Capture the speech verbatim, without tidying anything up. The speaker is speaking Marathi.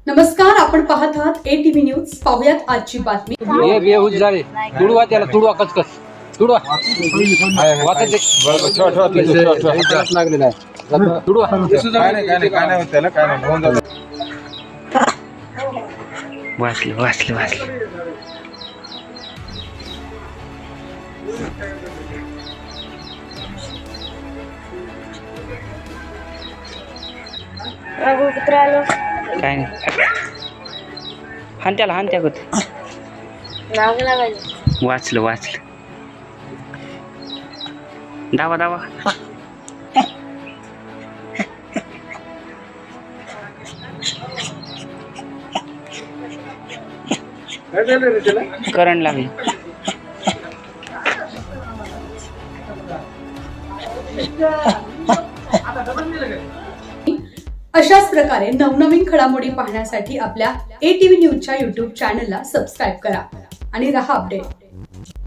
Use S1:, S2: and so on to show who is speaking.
S1: नमस्कार, आपण पाहत आहात एटीव्ही न्यूज. पाहुयात आजची बातमी.
S2: हे बेहूज झाले, तुडवा त्याला, तुडवा कचकच तुडवा वाचायचे लागलेला आहे. तुडवा
S3: काय नाही काय नाही काय नाही होत त्याला, काय नाही होऊन जातं.
S4: वाचलं वाचलं वाचलं
S5: कुत्र आलो
S4: काय नाही हान त्याला हान त्या होत
S5: नाव लागायचं.
S4: वाचलं वाचलं दावा दावा करंट लागली.
S1: अशाच प्रकारे नवनवीन घडामोडी पाहण्यासाठी आपल्या एटीव्ही न्यूजच्या युट्यूब चॅनलला सबस्क्राईब करा आणि रहा अपडेट.